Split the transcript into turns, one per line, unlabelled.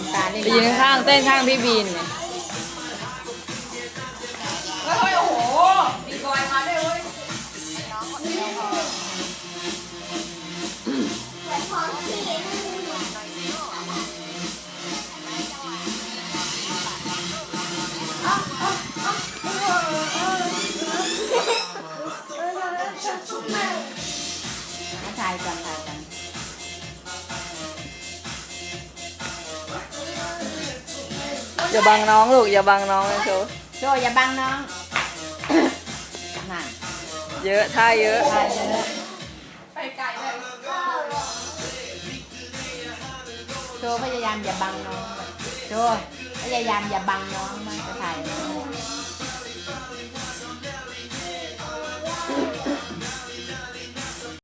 ำตาลนี่
ไปยืนข้างเต้นข้างพี่บีนเนี่ย
เฮ้ยโอ้โหมีบอยมาด้วยเว้ย
ถ่ายกันถ่ายกัน
อย่าบังน้องลูกอย่าบังน้องนะโชว์
โจอย่าบังน้อง น่ะ
เยอะท่าเยอะ
ถ่ายเยอะ
ไปไกลเลย
โจพยายามอย่าบังน้องโจพยายามอย่าบังน้องมาก